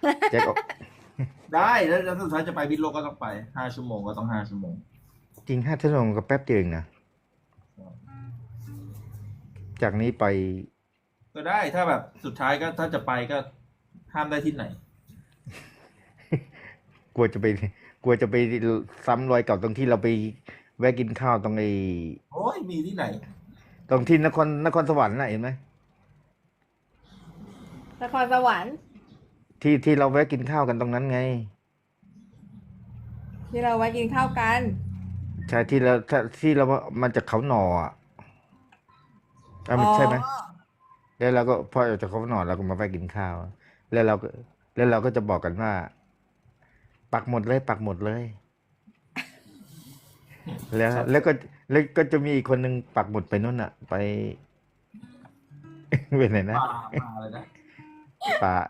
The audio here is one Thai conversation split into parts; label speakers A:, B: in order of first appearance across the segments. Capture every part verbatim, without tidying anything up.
A: แจ็คออก
B: ได้แล้วแล้วสุดท้ายจะไปพิษโลกก็ต้องไปห้าชั่วโมงก็ต้องห้าชั่วโมง
A: จริงห้าชั่วโมงก็แป๊บเดียวเองนะจากนี้ไป
B: ก็ได้ถ้าแบบสุดท้ายก็ถ้าจะไปก็ห้ามได้ที่ไหน
A: กลัวจะไปกลัวจะไปซ้ำรอยเก่าตรงที่เราไปแวะกินข้าวตรงไอ้
B: โอ้ยมีที่ไหน
A: ตรงที่นครนครสวรรค์น่ะเห็นไหม
C: นครสวรรค์
A: ที่ที่เราแวะกินข้าวกันตรงนั้นไง
C: ที่เราไว้กินข้าวกัน
A: ใช่ที่เราถ้าที่เรามาจากเขาหน่ออ่ะอ่ะมันใช่ไหม
C: อ๋อ
A: แล้วเราก็พอออกจากเขาหน่อเราก็มาแวะกินข้าว แล้วเราก็แล้วเราก็จะบอกกันว่า ปักหมดเลย ปักหมดเลย แล้วแล้วก็แล้วก็จะมีอีกคนหนึ่งปักหมุดไปนู่นอ่ะ ไป ไปไหนนะ
B: ป่าป่าเลยนะ
A: ป่า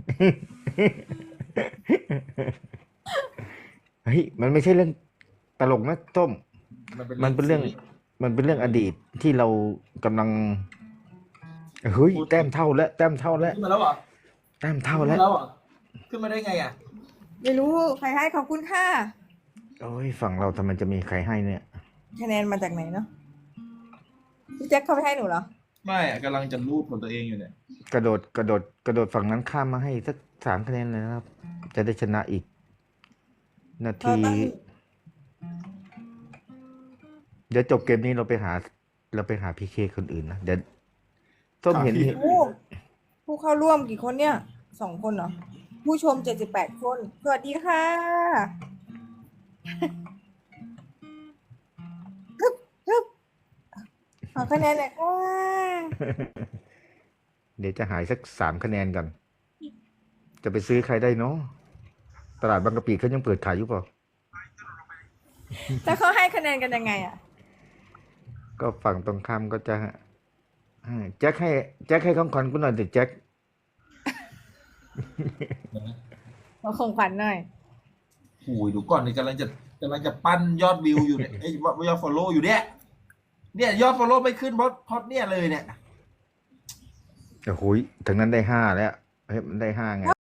A: เฮ้ยมันไม่ใช่เรื่องตลกนะต้ม มันเป็นเรื่อง มันเป็นเรื่องอดีตที่เรากำลังเฮ้ยแต้มเท่าแล้วแต้มเท่าแล้ว
B: ขึ้นมาแล้วเหรอ
A: แต้มเท่า
B: ขึ้น
A: แล้
B: มาว แล้วเหรอขึ้นมาได้ไงอ่ะ
C: ไม่รู้ใครให้ขอบคุณค่ะ
A: โอ้ยฝั่งเราทำไมจะมีใครให้เนี่ย
C: คะแนนมาจากไหนเนาะพี่แจ็คเขาไปให้หนูเหรอ
B: ไม่อะกำลังจะรูปของตัวเองอยู่เนี่ย
A: กระโดดกระโดดกระโดดฝั่งนั้นข้ามมาให้สักสามคะแนนเลยนะครับ จะได้ชนะอีก นาที
C: เราต้อง
A: เดี๋ยวจบเกมนี้เราไปหา เราไปหาพีเคคนอื่นนะเดี๋ยวต้มเห็น
B: หา พี
C: โอ้ผู้เข้าร่วมกี่คนเนี่ยสองคนเหรอ ผู้ชมเจ็ดสิบแปดคน สวัสดีค่ะฮึบฮึบขอคะแนนหน่อยค่ะ
A: เดี๋ยวจะหายสักสามคะแนนก่อน จะไปซื้อใครได้เนาะตลาดบางกะปิเขายังเปิดขายอยู่เปล่า
C: แต่เขาให้คะแนนกันยังไงอ่ะ
A: ก็ฝั่งตรงข้ามก็จะให้แจ็คให้แจ็คให้ของขวัญกูหน่อยสิแจ็ค
C: ขอของขวัญหน่อย
B: โอ้ยดูก่อนนี่กำลังจะกำลังจะปั้นยอดวิวอยู่เนี่ยไอ้ยยอดฟอลโล่อยู่เนี่ยเนี่ยยอดฟอลโล่ไม่ขึ้นเพราะเพราะเนี่ยเลยเนี่ย
A: โอ้โหยถึงนั้นได้ห้าแล้วเฮ้ยมันได้ห้าไง